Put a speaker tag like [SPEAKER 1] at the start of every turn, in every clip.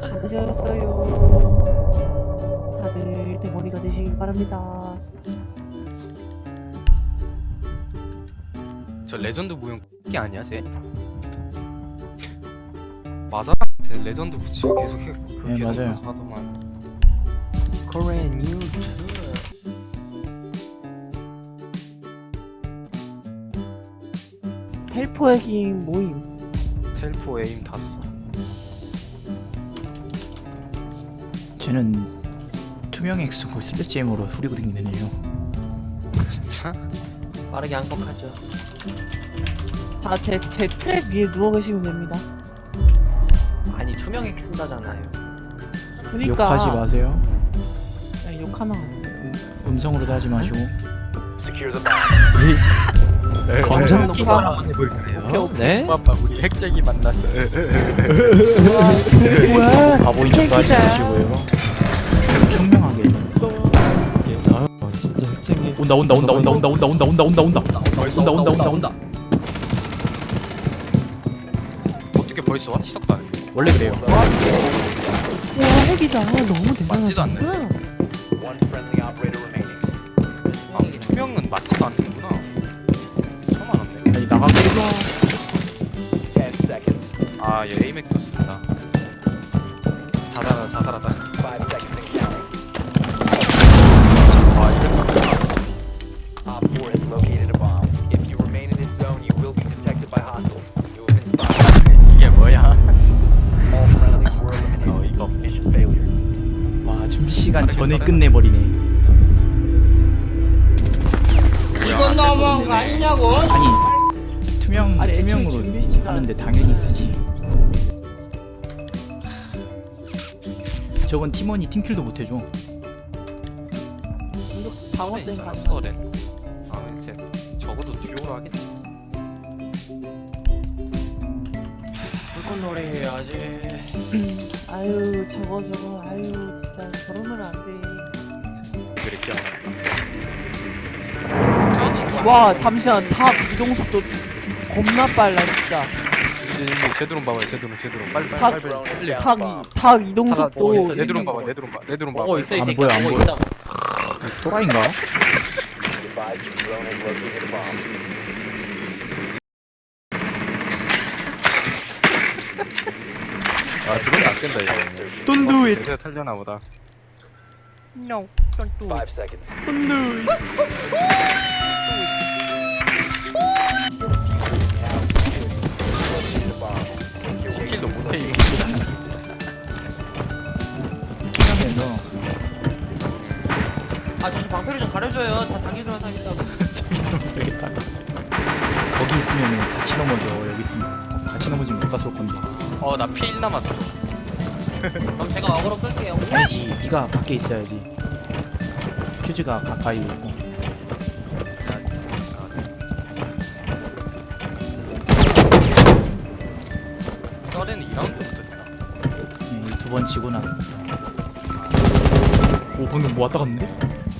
[SPEAKER 1] 받으셨어요. 다들 대머리가 되시길 바랍니다.
[SPEAKER 2] 저 레전드 무용 게 아니야 쟤? 맞아? 쟤 레전드 붙이고 계속 해.
[SPEAKER 3] 네,
[SPEAKER 2] 계속
[SPEAKER 3] 맞아요.
[SPEAKER 2] 하더만.
[SPEAKER 4] Korean YouTube.
[SPEAKER 1] 텔포 핵인 모임.
[SPEAKER 2] 텔포 에임 다 써.
[SPEAKER 3] 쟤는 투명 X고 슬래지엠으로 후리고 다니네요.
[SPEAKER 2] 진짜?
[SPEAKER 4] 빠르게 항복하죠.
[SPEAKER 1] 자, 제 트랩 위에 누워 계시면 됩니다.
[SPEAKER 4] 아니 투명액 쓴다잖아요.
[SPEAKER 1] 그니까
[SPEAKER 3] 욕하지 마세요.
[SPEAKER 1] 야, 욕하면 안 돼.
[SPEAKER 3] 음성으로도 하지 마시고.
[SPEAKER 1] 검정
[SPEAKER 2] 네.
[SPEAKER 1] 녹화.
[SPEAKER 4] 해볼까요?
[SPEAKER 1] 오케이.
[SPEAKER 4] 네?
[SPEAKER 2] 빠빠 우리 핵쟁이 만났어.
[SPEAKER 1] 뭐야?
[SPEAKER 3] 바보인 척도 하지 마시고요. 총명하게.
[SPEAKER 4] 아 진짜 핵쟁이.
[SPEAKER 3] 온다.
[SPEAKER 2] 어떻게 벌써 와? 시작도 안 해.
[SPEAKER 3] 원래 그래요.
[SPEAKER 1] 와, 핵이다. 너무
[SPEAKER 2] 맞지도 않네.
[SPEAKER 1] 대단하다.
[SPEAKER 2] 아 투명은 맞지도 않는구나. 처음 알았네.
[SPEAKER 3] 아니 나가게.
[SPEAKER 2] 아얘 에이맥도 쓴다. 자살하자. 와 이거 나왔어. 이게 뭐야? 이거.
[SPEAKER 3] 와 준비 시간
[SPEAKER 2] 빠르게
[SPEAKER 3] 전에
[SPEAKER 2] 써라.
[SPEAKER 3] 끝내버리네.
[SPEAKER 2] 이건 너무한 거
[SPEAKER 5] 아니냐고?
[SPEAKER 3] 아니 투명
[SPEAKER 1] 아니, 애초에
[SPEAKER 3] 투명으로
[SPEAKER 1] 준비 시간.
[SPEAKER 3] 하는데 당연히 쓰지. 저건 팀원이 팀킬도 못 해줘.
[SPEAKER 1] 이거 방어 땐 가능하지.
[SPEAKER 2] 서렌. 아 이제 적어도 듀오로 하겠지.
[SPEAKER 4] 불꽃놀이 해야지.
[SPEAKER 1] 아유, 저거. 아유, 진짜 저러면 안 돼.
[SPEAKER 2] 그랬죠.
[SPEAKER 1] 와, 잠시만. 닭 이동 속도 겁나 빨라, 진짜.
[SPEAKER 2] 이제 제드론 봐봐요. 제드론 빨리.
[SPEAKER 1] 닭 이동 속도.
[SPEAKER 2] 내 드론 봐봐. 내 드론 봐봐.
[SPEAKER 4] 어 있어 이
[SPEAKER 3] 안
[SPEAKER 4] 새끼.
[SPEAKER 3] 보여, 안 보여.
[SPEAKER 4] 있다.
[SPEAKER 3] 또라이인가?
[SPEAKER 2] 아 드론이 안 된다 이거.
[SPEAKER 3] Don't do it.
[SPEAKER 2] 내가 탈려나 보다. No, don't do it. 킬도 못해 이거.
[SPEAKER 3] 하면서
[SPEAKER 4] 아 저좀 방패를 좀 가려줘요. 다 자기들만 사겠다고.
[SPEAKER 3] 되겠다. 거기 있으면 같이 넘어져. 여기 있으면 같이 넘어지면 누가 쏠 건데.
[SPEAKER 2] 어나 P1 남았어.
[SPEAKER 4] 그럼 제가 어그로 끌게요.
[SPEAKER 3] 아니지. 네가 밖에 있어야지. 퓨즈가 가까이 있고.
[SPEAKER 2] 썰에는 2라운드부터 되나?
[SPEAKER 3] 두 번 치고 나. 오 방금 뭐 왔다 갔는데?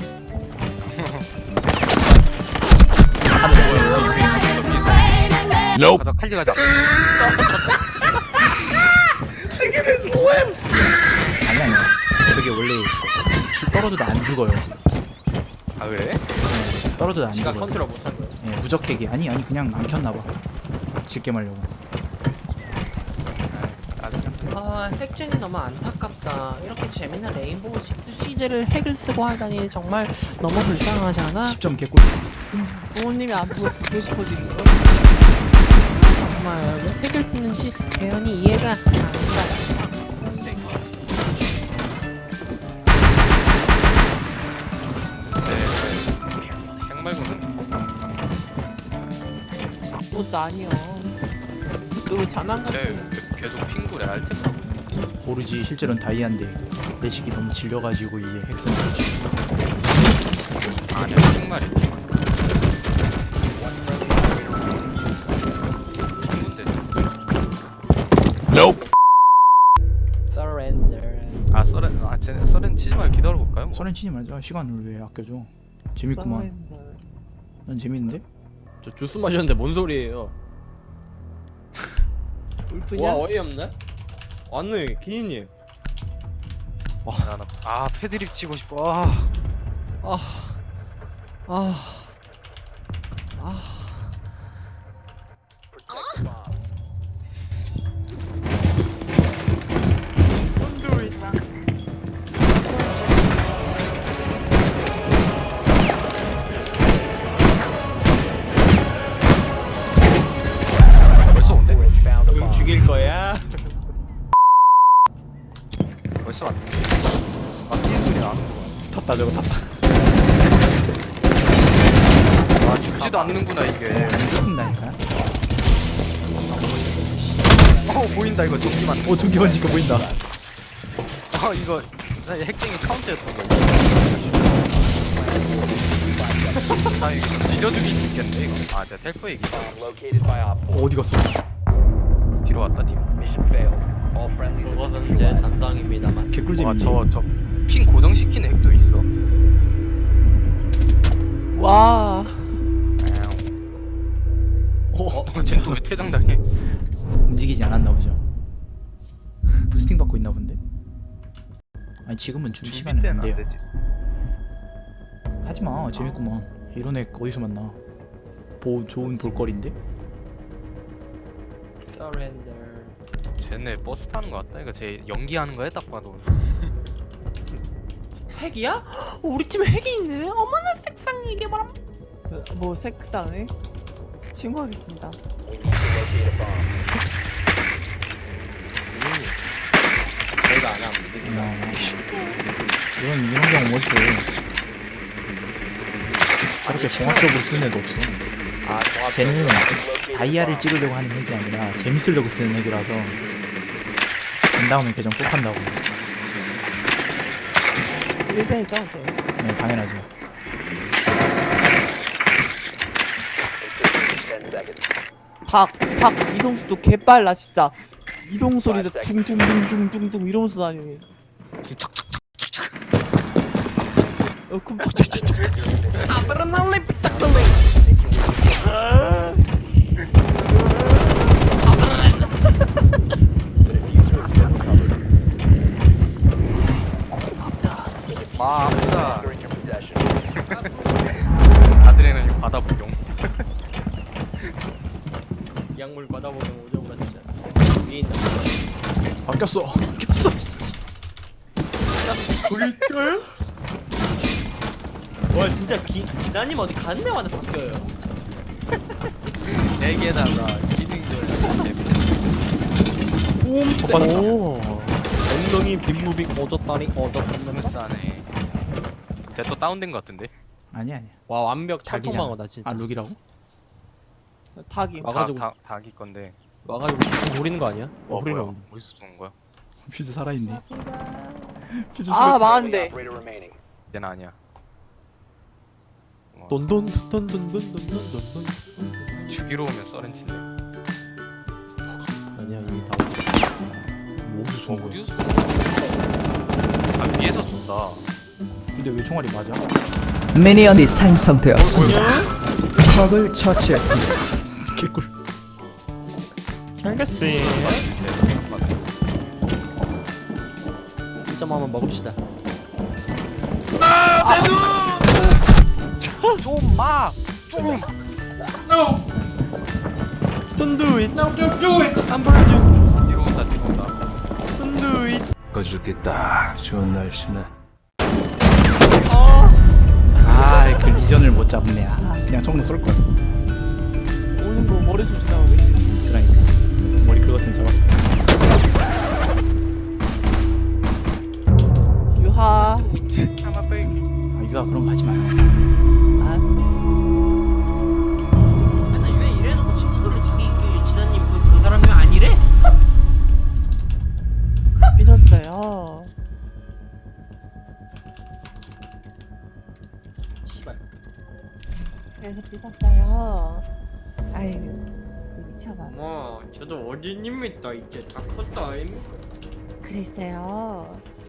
[SPEAKER 2] 가자 칼리 가자.
[SPEAKER 3] 아니야. 저게 원래 떨어져도 안 죽어요.
[SPEAKER 2] 아 그래?
[SPEAKER 3] 떨어져도 안
[SPEAKER 4] 지가
[SPEAKER 3] 죽어요.
[SPEAKER 4] 컨트롤 못한 거예요.
[SPEAKER 3] 예, 무적핵이 아니 그냥 안 켰나봐. 쉽게 말려고.
[SPEAKER 4] 아 핵쟁이 너무 안타깝다. 이렇게 재밌는 레인보우 식스 시제를 핵을 쓰고 하다니 정말 너무 불쌍하지 않아?
[SPEAKER 3] 10점 개꿀.
[SPEAKER 1] 부모님이 안 보고 싶어지는 거.
[SPEAKER 4] 정말 왜 핵을 쓰는지 대현이 이해가 안 가.
[SPEAKER 2] 핵 말고는
[SPEAKER 1] 그것도 아니야. 너 왜 장난
[SPEAKER 2] 쟤
[SPEAKER 1] 같은.
[SPEAKER 2] 계속 핑구래 알템.
[SPEAKER 3] 모르지 실제로는 다이아인데 내식이 너무 질려가지고 이제 핵선 거지.
[SPEAKER 2] 아니야 핑말이. 핑구인데.
[SPEAKER 4] Surrender.
[SPEAKER 2] 아 썰엔 치지 말고 기다려볼까요? 뭐.
[SPEAKER 3] 소렌 치지 말자. 시간을 왜 아껴줘? 재밌구만. 난 재밌는데?
[SPEAKER 6] 저 주스 마셨는데 뭔 소리예요?
[SPEAKER 1] 울프냐?
[SPEAKER 6] 와 어이없네? 왔네 기니님.
[SPEAKER 2] 나는 패드립 치고 싶어.
[SPEAKER 6] 아. 아. 아.
[SPEAKER 2] 벌써 온대?
[SPEAKER 6] 응 죽일 거야.
[SPEAKER 2] 벌써 왔네. 뛰는 소리 나는구나.
[SPEAKER 3] 탔다 저거 탔다.
[SPEAKER 2] 죽지도 않는구나 이게.
[SPEAKER 3] 뜯긴다니까.
[SPEAKER 2] 보인다 이거 전기 맞는.
[SPEAKER 3] 오 전기 번진 거 보인다.
[SPEAKER 2] 이거 나 핵쟁이 카운터였던 거. 나 이거 밀어 죽일 수 있겠네 이거. 제가 텔포 얘기.
[SPEAKER 3] 어디 갔어?
[SPEAKER 2] 뒤로 왔다 뒤로.
[SPEAKER 4] 그것은 제 잔상입니다만.
[SPEAKER 3] 개꿀잼이네.
[SPEAKER 2] 핑 고정시키는 핵도 있어.
[SPEAKER 1] 와.
[SPEAKER 2] 쟤는 또왜 퇴장당해?
[SPEAKER 3] 움직이지 않았나 보죠. 부스팅 받고 있나 본데. 아니 지금은 준
[SPEAKER 2] 준비
[SPEAKER 3] 시간은
[SPEAKER 2] 때는
[SPEAKER 3] 안
[SPEAKER 2] 안
[SPEAKER 3] 돼요.
[SPEAKER 2] 되지.
[SPEAKER 3] 하지마 재밌구만. 이런 애 어디서 만나? 좋은 볼거리인데?
[SPEAKER 4] Surrender.
[SPEAKER 2] 쟤네 버스 타는 거 같다. 이거 쟤 연기하는 거야 딱 봐도.
[SPEAKER 4] 핵이야? 우리 팀에 핵이 있네. 어머나 색상이 이게 바람.
[SPEAKER 1] 뭐 색상에 신고하겠습니다.
[SPEAKER 4] 내가 안 하면 되겠다.
[SPEAKER 3] 이런 경우 멋있어. 저렇게 공학적으로 쓰는 애도 없어. 쟤는 다이아를 찍으려고 하는 핵이 아니라 재밌으려고 쓰는 핵이라서 된 다음에 계정 꼭 한다고.
[SPEAKER 1] 일배죠 제.
[SPEAKER 3] 네 당연하죠.
[SPEAKER 1] 닭 이동속도 개빨라 진짜. 이동 소리도 둥둥둥둥둥둥 이러면서 다니네. 쿵짝짝짝짝짝.
[SPEAKER 4] 아브라날레 삐딱돌레.
[SPEAKER 2] 아프다. 아드레날린 바다 복용.
[SPEAKER 4] 약물 받아보면 오져보라 진짜. 위에 있는
[SPEAKER 3] 바뀌었어.
[SPEAKER 4] 돌돌? 와 진짜 기다님 어디 가는 데마다 바뀌어요.
[SPEAKER 2] 내게다가 기능들.
[SPEAKER 3] 오.
[SPEAKER 6] 엉덩이 빗무빙 오졌다니 오졌답니다.
[SPEAKER 2] 스무스하네. 쟤또 다운된 거 같은데?
[SPEAKER 3] 아니야.
[SPEAKER 6] 와 완벽
[SPEAKER 3] 닭이잖아.
[SPEAKER 6] 찰통방어다 진짜.
[SPEAKER 3] 아 룩이라고?
[SPEAKER 1] 닭이.
[SPEAKER 6] 와가지고
[SPEAKER 2] 닭이 건데.
[SPEAKER 6] 와가지고 노리는 거 아니야?
[SPEAKER 2] 뭐야?
[SPEAKER 6] 노리는
[SPEAKER 2] 어디서 쏘는 거야?
[SPEAKER 3] 퓨즈 살아있네. 퓨즈
[SPEAKER 1] 망한데.
[SPEAKER 2] 얘는 아니야.
[SPEAKER 6] 돈돈돈돈돈돈돈돈.
[SPEAKER 2] 죽이러 오면 써렌치네.
[SPEAKER 6] 아니야 이미 다.
[SPEAKER 3] 어디서 쏜 거야?
[SPEAKER 2] 어디서 쏘는 거야? 위에서 쏜다.
[SPEAKER 3] 근데 왜 총알이 맞아?
[SPEAKER 5] 미니언이 생성되었습니다. 적을 처치했습니다.
[SPEAKER 3] 개꿀.
[SPEAKER 6] 알겠지. 1점 한번 먹읍시다.
[SPEAKER 2] 좀 마! 좀!
[SPEAKER 6] Don't do it. No, don't do it. 안 보여줘.
[SPEAKER 2] 뒤로 온다 뒤로 온다.
[SPEAKER 6] Don't do it.
[SPEAKER 7] 꺼줄게 딱 좋은 날씨네.
[SPEAKER 3] 그 리전을 못 잡네. 그냥 총으로 쏠 걸.
[SPEAKER 1] 오는 거 머리 조심하고 계시지.
[SPEAKER 3] 그러니까 머리 긁었으면 잡았어.
[SPEAKER 1] 유하.
[SPEAKER 3] 아 유아 그럼 가지 마요.
[SPEAKER 1] 알았어.
[SPEAKER 4] 아니 왜 이래놓고 친구들을 자기 지단님 그 사람이 아니래?
[SPEAKER 1] 삐졌어요. 그래서 삐졌어요. 아이고 미쳐봐.
[SPEAKER 4] 뭐 저도 어린입니다 이제 다 컸다 아닙니까?
[SPEAKER 1] 그랬어요.